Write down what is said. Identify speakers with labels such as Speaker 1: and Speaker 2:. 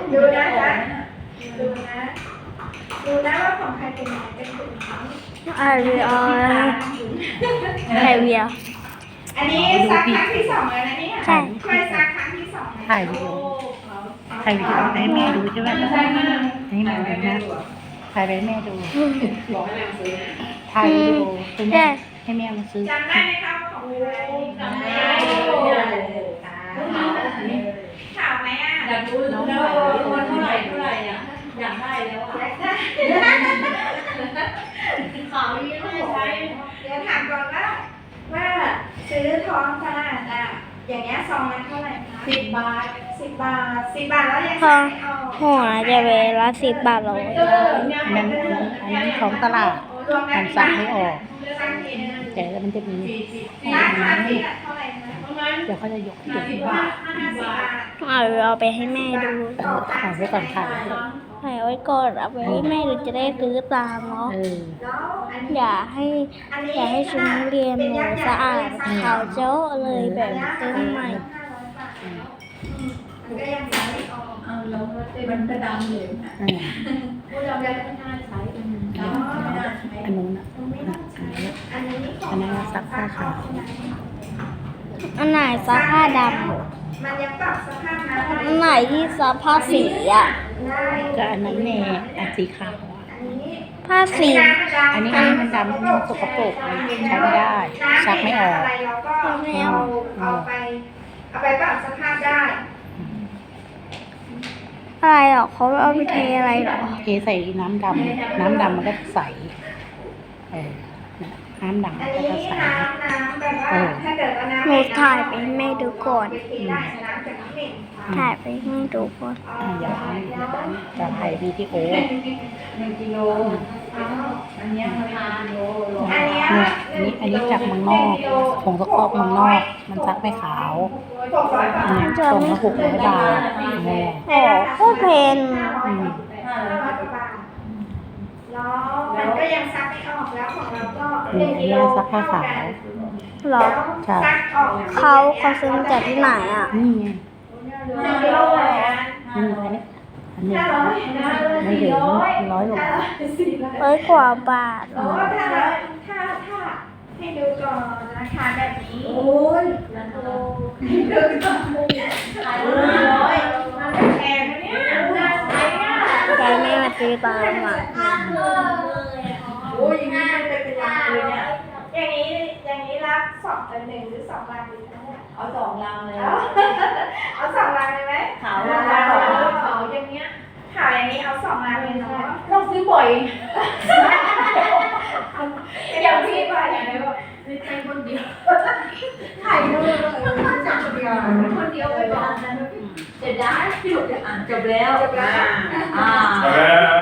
Speaker 1: ดูนะคะดูนะดูนะว่าของใครเป็นไหนเป็นถุงนี้
Speaker 2: ไอเวียไอเวีย
Speaker 1: อันนี้ซักครั้งที่ 2แล้วนะเนี่ย
Speaker 2: ใช่
Speaker 1: ช่วยซักครั้งที่ 2นะ
Speaker 3: ถ่ายวิดีโอให้แม่ดูใช่ไหมให้แม่ดูนะถ่ายไปให้แม่ดูถ่ายวิดีโอให้แม่มาซื้อ
Speaker 1: จำได้ไหมคะว่าของใครจำได้ข่าวไหมอ่ะ
Speaker 4: อยากรู้แล้วว่าเท่าไหร่อ่ะอยากได้แล้วอ่ะขาวนี้ไม่ใช้
Speaker 1: เดี๋ยวถามก่อนว่าซื้อท้องตลาดอ่ะอย่างเงี้ยซองละเท่าไหร่คะ
Speaker 4: 10 บาท
Speaker 1: 10 บาท10 บาทแล้วยัง
Speaker 2: ทอง
Speaker 1: ไม่ออก
Speaker 2: หัวจะเวลา10 บาทโล
Speaker 3: อันนั้นของตลาด
Speaker 1: รวม
Speaker 3: มันซักไม่ออก
Speaker 1: ซักทีนึง
Speaker 3: แต่แล้วมันจะมี
Speaker 1: ซักครั้งที่เท่าไหร่คะ
Speaker 4: ประมาณ
Speaker 3: เดี๋ยวเขาจะยกให้ดู
Speaker 4: 50 บาท
Speaker 1: 50 บาท
Speaker 2: เอาไปให้แม่ดู
Speaker 3: ถ่ายไว้ก่อนถ่ายไว้ก่อน
Speaker 2: ถ่ายไว้ก่อนเอาไปให้แม่ดูจะได้ซื้อตามเนาะ
Speaker 1: แล้วอันนี้
Speaker 2: อย่าให้ชุดนักเรียนหนูสะอาดขาวเจ้าเลยแบบซื้อใหม่
Speaker 1: มันก็ยังซักไม่ออก
Speaker 4: เอาแล้วมันกระดำเลยนะ
Speaker 1: ผู้ดำยังไม่น่าใช้อ๋อ
Speaker 3: อันนู้นอ่ะ
Speaker 1: ไม่ต้องใช้อันนี้ของ
Speaker 3: อันนั้นซักผ้าขาว
Speaker 2: อันไหนซักผ้าด
Speaker 1: มันยังปรับสภาพน้ำ
Speaker 2: ำอันไหนที่ซักผ้าสีอ่ะ
Speaker 1: ได้
Speaker 3: ก็อันนั้นแน่อันสีขาวอ่ะ
Speaker 1: อันนี้
Speaker 2: ผ้าสี
Speaker 3: อันนี้มันดำมันสกปรกมันใช้ไม่ได้ซักไม่ออก
Speaker 1: อะไรเราก็เอาไปปรับสภาพได้
Speaker 2: อะไรหรอเขาเอาไปเทอะไรหรอ
Speaker 3: เทใส่น้ำดำมันก็ใสน้ำดำ
Speaker 1: อั
Speaker 3: มัน น
Speaker 1: นี้
Speaker 3: ก็ใส
Speaker 1: น้ำแบบว่าถ้าเกิดว่าน้ำ
Speaker 2: หนูถ่ายไปให้แม่ดูก่อน
Speaker 1: ไปเทได้น้ำจากน้ำเหม็น
Speaker 2: ถ่ายไปให้แม่ดูก่อน
Speaker 3: อย่าจะถ่ายวิดีโอ
Speaker 4: 1 กิโลอันนี้มัน1 กิโล
Speaker 1: อันนี้
Speaker 3: เนี่ยอันนี้จากเมืองนอกผงสกปรกเมืองนอก มันซักไม่ขาว
Speaker 1: 600 บาท
Speaker 3: ส่งมา600 บาทเนี่ย
Speaker 2: โอ้โคตรเพน
Speaker 1: 500 บาทแล้วมันก็ยังซักไม่ออกแล้วของเราก็
Speaker 3: นี่อันนี้ซักผ้าขาว
Speaker 2: หรอ
Speaker 1: ซักออก
Speaker 2: เขาซื้อมาจากที่ไหนอ่ะ
Speaker 3: นี่ไง
Speaker 1: 1 กิโลนะ
Speaker 3: อันนี้ไม่ถึง100 กว่า
Speaker 2: 100 กว่าบาท
Speaker 1: โอ้ถ้าให้ดูก่อนราคาแบบนี้
Speaker 4: โอ้ย
Speaker 1: ดูก่อนขาย100มันแพงนะเนี่ยน่าใช้อ่ะ
Speaker 2: ใจแม่มาซื้อตามอ่ะ
Speaker 4: โอ้ยอย่างนี้มันเป็นลังเลยเนี่ย
Speaker 1: อย่างนี้รับ1หรือ2 ลังดีคะเนี่ย
Speaker 4: เอา2 ลังเลย
Speaker 1: เอา2 ลังเลยไหม
Speaker 4: ขาว
Speaker 1: ขาวอย่างเงี้ยขาวอย่างนี้เอา2 ลังเลยเนาะ
Speaker 4: ต้องซื้อบ่อย
Speaker 1: อย่างพี่บ่อยอย่างเดียว
Speaker 4: ไม่ใช่คนเดียว
Speaker 1: ถ่ายรูปเลยจับเดียว
Speaker 4: คนเดียวไปก่อนจะได้จบแล้ว
Speaker 1: จบแล้ว
Speaker 4: อ่า
Speaker 5: Okay.